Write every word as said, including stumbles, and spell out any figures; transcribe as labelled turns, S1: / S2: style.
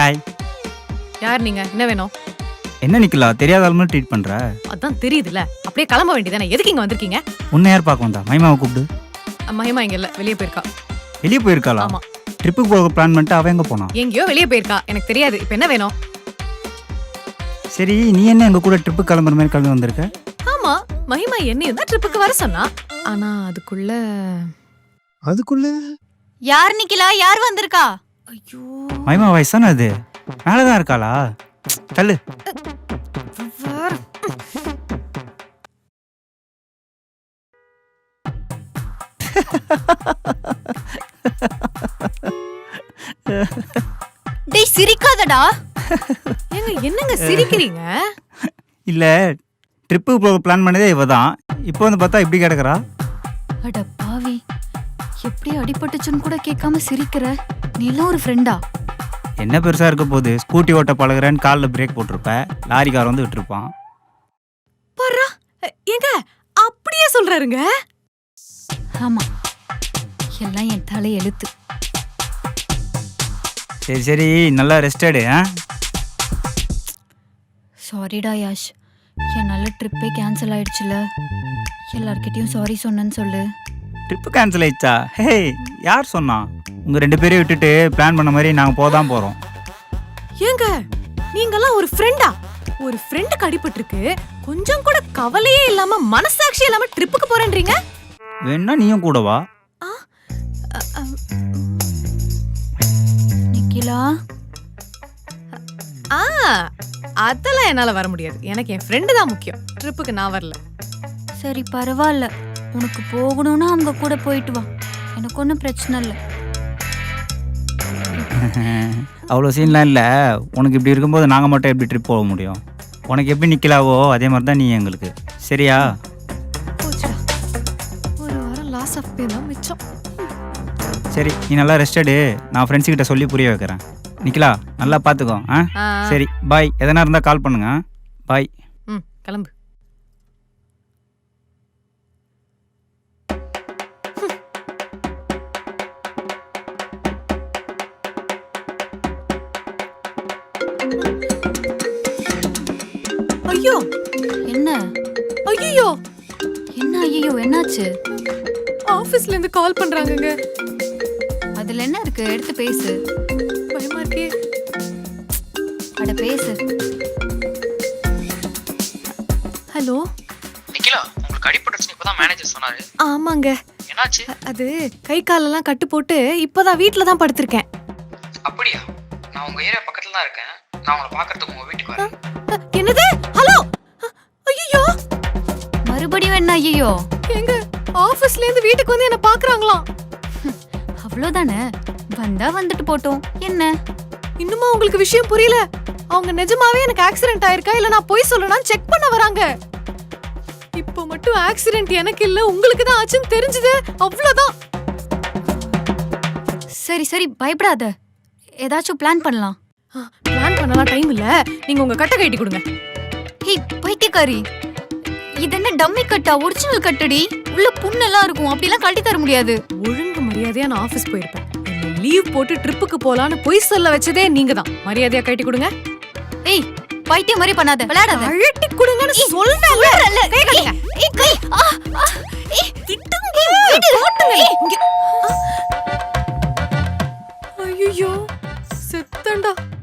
S1: Hi.
S2: யார் நீங்க? என்ன வேணும்?
S1: என்ன நிக்கலா தெரியாத ஆளுமே ட்ரீட் பண்ற?
S2: அதான் தெரியுதுல. அப்படியே கிளம்ப வேண்டியதானே. எதுக்கு இங்க வந்திருக்கீங்க?
S1: உன்னை யார் பார்க்க வந்தா? மகிமாவை கூப்பிடு.
S2: மகிமா இங்க இல்ல, வெளியே போயிருக்கா.
S1: வெளியே போயிருக்காளா?
S2: ஆமா.
S1: ட்ரிப்புக்கு போக பிளான் பண்ணிட்டு அவ எங்க போனா?
S2: எங்கேயோ வெளியே போயிருக்கா. எனக்கு தெரியாது. இப்போ என்ன வேணும்?
S1: சரி, நீ என்ன எங்க கூட ட்ரிப்பு கிளம்புற மாதிரி கிளம்பி வந்திருக்க?
S2: ஆமா, மகிமா என்னையும் தான் ட்ரிப்புக்கு வர சொன்னா. ஆனா அதுக்குள்ள
S1: அதுக்குள்ள
S3: யார் நிக்கலா? யார் வந்திருக்கா?
S2: ஐயோ,
S1: மகிமா வயசான அது மேலதான் இருக்காளா? தள்ளு.
S2: வேற.
S3: டேய் சிரிக்காதடா.
S2: ஏங்க என்னங்க சிரிக்கிறீங்க?
S1: இல்ல, ட்ரிப்புக்கு போக பிளான் பண்ணதே இவ தான். இப்போ வந்து பார்த்தா இப்படி கிடக்குறா.
S3: அட பாவி, எப்படி அடிபட்டுச்சுன்னு கூட கேட்காம சிரிக்கிற. நீ எல்லாம் ஒரு ஃப்ரெண்டா?
S1: என்ன பெருசா இருக்க போகுது? ஸ்கூட்டி ஓட்ட பழகுறேன்னு காலில் பிரேக் போட்டிருப்ப, லாரிக்கார வந்து விட்டுருப்பான்.
S2: பர்றா, ஏங்க அப்படியே சொல்றாருங்க.
S3: ஆமா, எல்லாம் என் தலை எழுத்து.
S1: சரி சரி, நல்லா ரெஸ்ட் எடு.
S3: சாரிடா யாஷ், என்னால ட்ரிப்பே கேன்சல் ஆயிடுச்சுல. எல்லார்கிட்டயும் சாரி சொன்னேன்னு சொல்லு.
S1: ட்ரிப்பு கேன்சல் ஆயிடுச்சா? ஹே, யார் சொன்னா? உங்க ரெண்டு பேரையும் விட்டுட்டு பிளான் பண்ண மாதிரி நாங்க போதான் போறோம்.
S2: ஏங்க நீங்கெல்லாம் ஒரு ஃப்ரெண்டா? ஒரு ஃப்ரெண்டுக்கு அடிபட்டிருக்கு, கொஞ்சம் கூட கவலையே இல்லாம மனசாட்சி இல்லாம ட்ரிப்புக்கு போறேன்றீங்க?
S1: வேணா நீயும் கூட வா.
S3: நிக்கிலா,
S2: ஆ, அதெல்லாம் என்னால வர முடியாது. எனக்கு என் ஃப்ரெண்டு தான் முக்கியம். ட்ரிப்புக்கு நான் வரல.
S3: சரி பரவாயில்ல, உனக்கு போகணும்னா அவங்க கூட போயிட்டு வா. எனக்கு ஒன்றும் பிரச்சனை இல்லை.
S1: அவ்வளோ சீன்லாம் இல்லை. உனக்கு இப்படி இருக்கும்போது நாங்கள் மட்டும் எப்படி ட்ரிப் போக முடியும்? உனக்கு எப்படி நிற்கலாவோ அதே மாதிரி தான் நீ எங்களுக்கு. சரியா?
S2: போச்சுடா, ஒரு வாரம் லாஸ் ஆஃப் பே தான் மிச்சம்.
S1: சரி, நீ நல்லா ரெஸ்ட் எடு. நான் ஃப்ரெண்ட்ஸ் கிட்ட சொல்லி புரிய வைக்கிறேன். நிக்கலா, நல்லா பார்த்துக்கோ. ஆ சரி, பாய். எதனா இருந்தால் கால் பண்ணுங்க. பாய்.
S2: ம், கிளம்பு. ஐயோ,
S3: என்ன?
S2: ஐயோ,
S3: என்ன ஐயோ, என்னாச்சு?
S2: ஆபீஸ்ல இருந்து கால் பண்றாங்கங்க.
S3: அதுல என்ன இருக்கு? எடுத்து பேசு.
S2: பயமா இருக்கே.
S3: அட பேசு.
S2: ஹலோ
S4: நிக்கிலா, உங்களுக்கு அடிபட்டுச்சுன்னு இப்பதான் மேனேஜர் சொன்னாரு.
S2: ஆமாங்க.
S4: என்னாச்சு?
S2: அது கை காலெல்லாம் கட்டு போட்டு இப்பதான் வீட்ல தான் படுத்திருக்கேன்.
S4: அப்படியா? நான் உங்க ஏரியா பக்கத்துல தான் இருக்கேன். நான் உங்களை பாக்குறதுக்கு உங்க வீட்டுக்கு வரேன்.
S2: என்னது? ஹலோ, ஐயோ,
S3: மறுபடியும் என்ன ஐயோ?
S2: எங்க ஆபீஸ்ல இருந்து வீட்டுக்கு வந்து என்ன பாக்குறாங்களாம்.
S3: அவ்வளவுதானே, வந்தா வந்துட்டு போட்டோம். என்ன
S2: இன்னுமா உங்களுக்கு விஷயம் புரியல? அவங்க நிஜமாவே எனக்கு ஆக்சிடென்ட் ஆயிருக்கா இல்ல நான் போய் சொல்லணும்னு செக் பண்ண வராங்க. இப்போ மட்டும் ஆக்சிடென்ட் எனக்கு இல்ல உங்களுக்கு தான் ஆச்சுன்னு தெரிஞ்சது, அவ்வளவுதான்.
S3: சரி சரி, பயப்படாத. ஏதாச்சும் பிளான் பண்ணலாம்.
S2: பிளான் பண்ணலாம் டைம் இல்ல. நீங்க உங்க கட்டை கட்டி கொடுங்க.
S3: ஹே பைத்தியக்காரி, இது என்ன டம்மி கட்டா? ஒரிஜினல் கட்டடி. உள்ள புண்ணெல்லாம் இருக்கும், அப்படிலாம் கட்டி தர முடியாது.
S2: ஒழுங்கு மரியாதையா நான் ஆபீஸ் போயிருப்பேன். என்ன லீவ் போட்டு ட்ரிப்புக்கு போலான்னு பொய் சொல்ல வச்சதே நீங்க தான். மரியாதையா கட்டி கொடுங்க.
S3: ஏய் பைத்தியம் மாதிரி பண்ணாத, விளையாடாத.
S2: அழட்டி கொடுங்கன்னு சொல்றேன்ல. கை கட்டுங்க.
S3: ஏய் கை. ஆ ஏய்
S2: திட்டுங்க. வீடு ஓட்டுங்க. இங்க. ஐயோ, செத்தண்டா.